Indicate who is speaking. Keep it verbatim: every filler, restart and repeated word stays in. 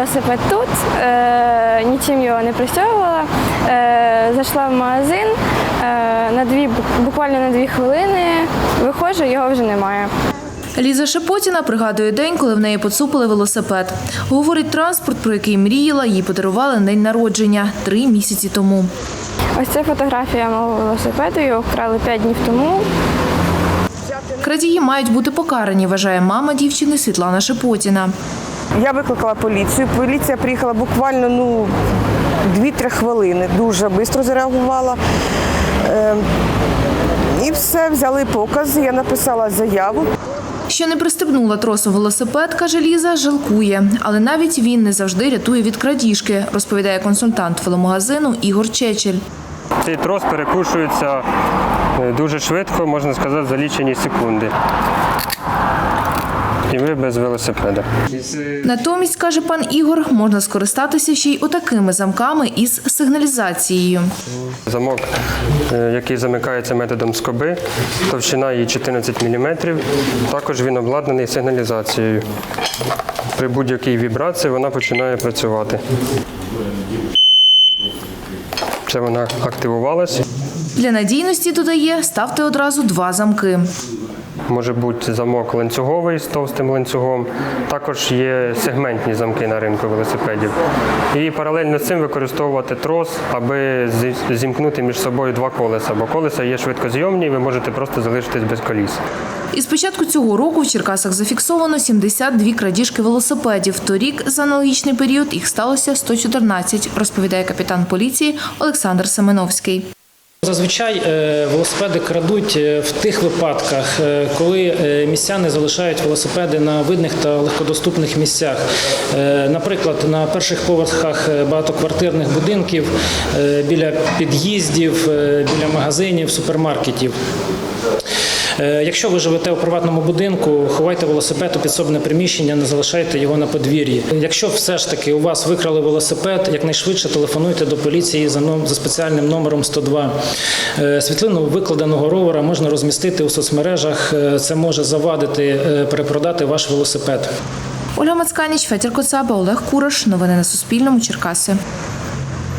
Speaker 1: велосипед тут, е, нічим його не пристягувала. Е, зайшла в магазин, е, на дві, буквально на дві хвилини виходжу, його вже немає.
Speaker 2: Ліза Шепотіна пригадує день, коли в неї поцупили велосипед. Говорить, транспорт, про який мріяла, їй подарували на день народження три місяці тому.
Speaker 1: Ось це фотографія мого велосипеду, його вкрали п'ять днів тому.
Speaker 2: Крадії мають бути покарані, вважає мама дівчини Світлана Шепотіна.
Speaker 3: Я викликала поліцію. Поліція приїхала буквально ну, дві-три хвилини. Дуже швидко зареагувала. Е, і все, взяли покази, я написала заяву.
Speaker 2: Що не пристебнула тросом велосипед, каже Ліза, жалкує. Але навіть він не завжди рятує від крадіжки, розповідає консультант веломагазину Ігор Чечель.
Speaker 4: Цей трос перекушується дуже швидко, можна сказати, за лічені секунди. І ви без велосипеда.
Speaker 2: Натомість, каже пан Ігор, можна скористатися ще й отакими замками із сигналізацією.
Speaker 4: Замок, який замикається методом скоби, товщина її чотирнадцять міліметрів, також він обладнаний сигналізацією. При будь-якій вібрації вона починає працювати. Це вона активувалася.
Speaker 2: Для надійності, додає, ставте одразу два замки.
Speaker 4: Може бути замок ланцюговий з товстим ланцюгом. Також є сегментні замки на ринку велосипедів. І паралельно з цим використовувати трос, аби зімкнути між собою два колеса. Бо колеса є швидкозйомні, і ви можете просто залишитись без коліс.
Speaker 2: Із початку цього року в Черкасах зафіксовано сімдесят дві крадіжки велосипедів. Торік за аналогічний період їх сталося сто чотирнадцять, розповідає капітан поліції Олександр Семеновський.
Speaker 5: Зазвичай велосипеди крадуть в тих випадках, коли містяни залишають велосипеди на видних та легкодоступних місцях. Наприклад, на перших поверхах багатоквартирних будинків, біля під'їздів, біля магазинів, супермаркетів. Якщо ви живете у приватному будинку, ховайте велосипед у підсобне приміщення, не залишайте його на подвір'ї. Якщо все ж таки у вас викрали велосипед, якнайшвидше телефонуйте до поліції за, за спеціальним номером сто два. Світлину викладеного ровера можна розмістити у соцмережах, це може завадити перепродати ваш велосипед.
Speaker 2: Ольга Мацканіч, Федір Коцаба, Олег Кураш. Новини на Суспільному. Черкаси.